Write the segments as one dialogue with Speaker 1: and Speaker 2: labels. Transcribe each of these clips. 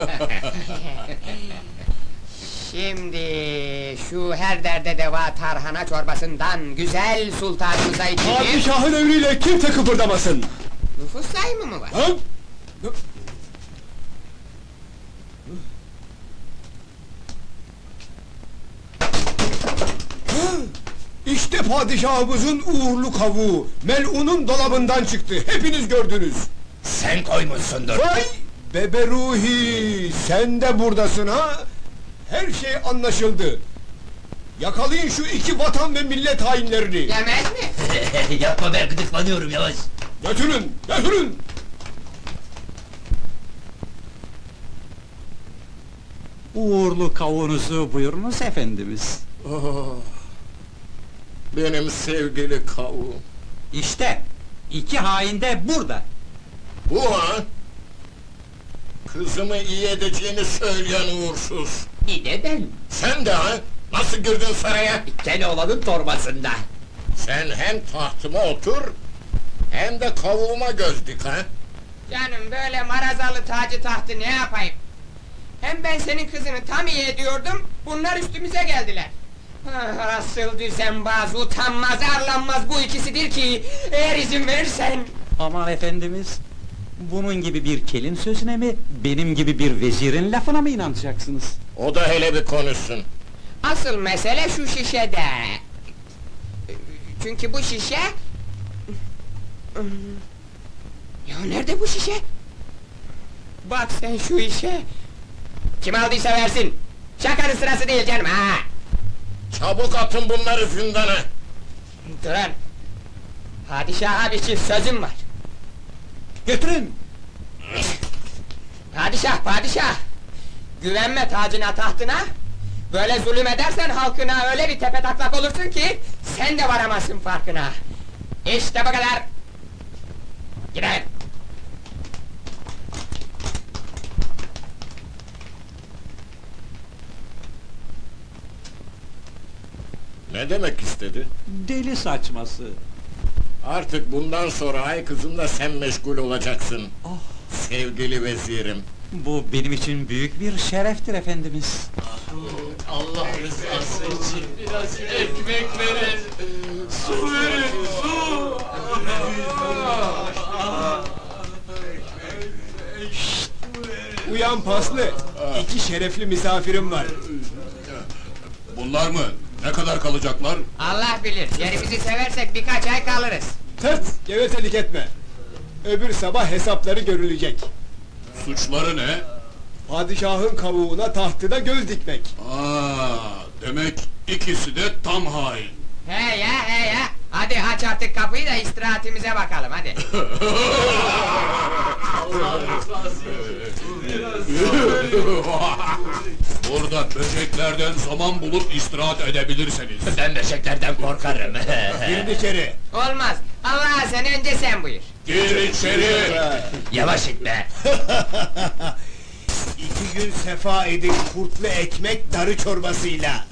Speaker 1: Şimdi şu her derde deva tarhana çorbasından güzel sultanımıza içecek...
Speaker 2: Padişahın emriyle kimse kıpırdamasın!
Speaker 1: Nüfus sayımı mı var?
Speaker 2: Ha? İşte padişahımızın uğurlu kavuğu, melunun dolabından çıktı, hepiniz gördünüz!
Speaker 3: Sen koymuşsundur.
Speaker 2: Vay! Bebe Ruhi, sen de buradasın ha? Her şey anlaşıldı! Yakalayın şu iki vatan ve millet hainlerini!
Speaker 1: Yemez mi?
Speaker 3: Yapma, ben gıdıklanıyorum, yavaş.
Speaker 2: Götürün, götürün!
Speaker 4: Uğurlu kavunuzu buyurunuz efendimiz.
Speaker 5: Benim sevgili kavuğum.
Speaker 4: İşte, iki hain de burada.
Speaker 5: Bu ha? Kızımı iyi edeceğini söyleyen uğursuz.
Speaker 3: İyi de ben,
Speaker 5: Sen de ha? Nasıl girdin saraya?
Speaker 3: Keloğlan'ın torbasında.
Speaker 5: Sen hem tahtıma otur, hem de kavuğuma göz dik ha?
Speaker 1: Canım böyle marazalı tacı tahtı ne yapayım? Hem ben senin kızını tam iyi ediyordum, bunlar üstümüze geldiler. Ah, asıl düzenbaz, utanmaz, arlanmaz bu ikisidir ki, eğer izin verirsen...
Speaker 4: Aman efendimiz, bunun gibi bir kelin sözüne mi, benim gibi bir vezirin lafına mı inanacaksınız?
Speaker 5: O da hele bir konuşsun.
Speaker 1: Asıl mesele şu şişede. Çünkü bu şişe... Ya nerede bu şişe? Bak sen şu işe! Kim aldıysa versin! Şakanın sırası değil canım ha!
Speaker 5: Çabuk atın bunları zindana!
Speaker 1: Durun! Padişah abi için sözüm var!
Speaker 4: Götürün!
Speaker 1: Padişah, padişah! Güvenme tacına tahtına! Böyle zulüm edersen halkına öyle bir tepetaklak olursun ki... ...sen de varamazsın farkına! İşte bu kadar! Gidelim!
Speaker 5: Ne demek istedi?
Speaker 4: Deli saçması!
Speaker 5: Artık bundan sonra ay kızımla sen meşgul olacaksın. Sevgili vezirim.
Speaker 4: Bu benim için büyük bir şereftir efendimiz.
Speaker 6: Allah rızası için biraz ekmek verin, su verin, su!
Speaker 2: Uyan paslı! İki şerefli misafirim var!
Speaker 7: Bunlar mı? Ne kadar kalacaklar?
Speaker 1: Allah bilir, yerimizi seversek birkaç ay kalırız!
Speaker 2: Tırt! Gevezelik etme! Öbür sabah hesapları görülecek!
Speaker 7: Suçları ne?
Speaker 2: Padişahın kavuğuna tahtına göz dikmek!
Speaker 7: Demek ikisi de tam hain.
Speaker 1: He ya, he ya! Hadi aç artık kapıyı da istirahatimize bakalım, hadi!
Speaker 6: Allah rızası için biraz
Speaker 7: Burada böceklerden zaman bulup istirahat edebilirseniz.
Speaker 3: Ben beşeklerden korkarım.
Speaker 2: Girin içeri!
Speaker 1: Olmaz! Allah sen önce sen buyur!
Speaker 7: Gir içeri!
Speaker 3: Yavaş itme.
Speaker 2: 2 gün sefa edin kurtlu ekmek darı çorbasıyla!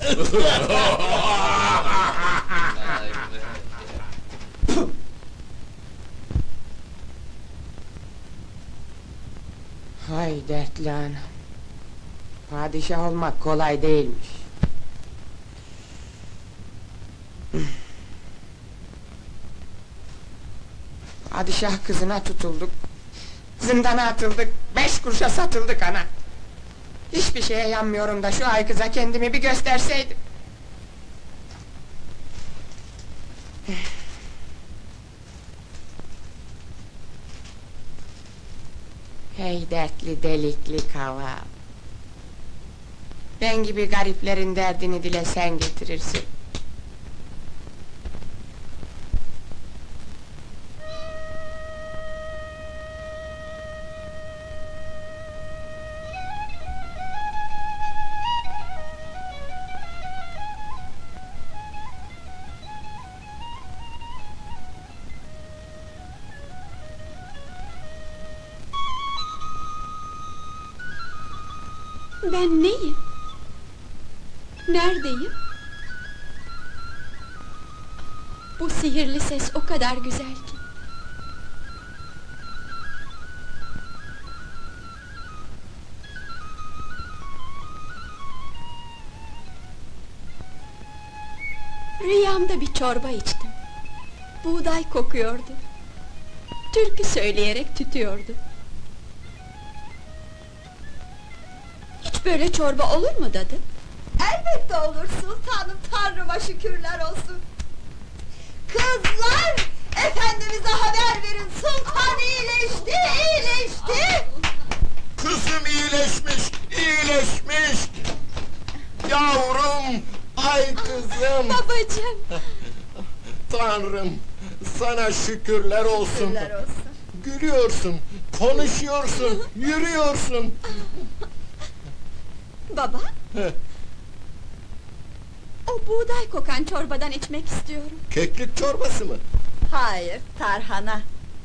Speaker 1: Hay dertli anam! Padişah olmak kolay değilmiş! Padişah kızına tutulduk, zindana atıldık, 5 kuruşa satıldık ana! Hiçbir şeye yanmıyorum da şu ay kıza kendimi bir gösterseydim! Hey dertli delikli kaval! Ben gibi gariplerin derdini dile sen getirirsin!
Speaker 8: Ben neyim? Neredeyim? Bu sihirli ses o kadar güzel ki. Rüyamda bir çorba içtim. Buğday kokuyordu. Türkü söyleyerek tütüyordu. Hiç böyle çorba olur mu dadı?
Speaker 9: Elbette olur sultanım, tanrıma şükürler olsun. Kızlar, efendimize haber verin, sultan iyileşti, iyileşti.
Speaker 5: Kızım iyileşmiş, iyileşmiş! Yavrum, ay kızım!
Speaker 8: Babacığım!
Speaker 5: Tanrım, sana şükürler olsun!
Speaker 9: Şükürler olsun.
Speaker 5: Gülüyorsun, konuşuyorsun, yürüyorsun!
Speaker 8: Baba,
Speaker 5: Heh,
Speaker 8: o buğday kokan çorbadan içmek istiyorum.
Speaker 5: keklik çorbası mı?
Speaker 9: Hayır, tarhana.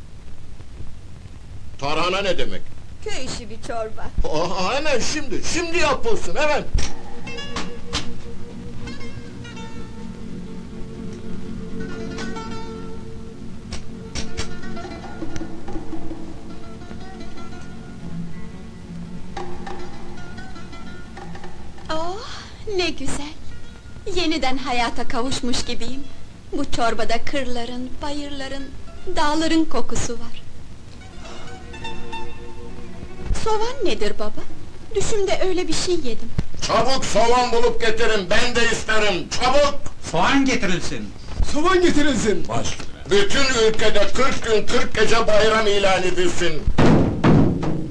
Speaker 5: Tarhana ne demek?
Speaker 9: Köy işi bir çorba.
Speaker 5: Hemen şimdi yapılsın, hemen!
Speaker 8: Oh, ne güzel! Yeniden hayata kavuşmuş gibiyim. Bu çorbada kırların, bayırların, dağların kokusu var. Soğan nedir baba? Düşümde öyle bir şey yedim.
Speaker 5: Çabuk soğan bulup getirin, ben de isterim, çabuk!
Speaker 4: Soğan getirilsin.
Speaker 2: Soğan getirilsin.
Speaker 7: Baş.
Speaker 5: Bütün ülkede 40 gün 40 gece bayram ilan edilsin.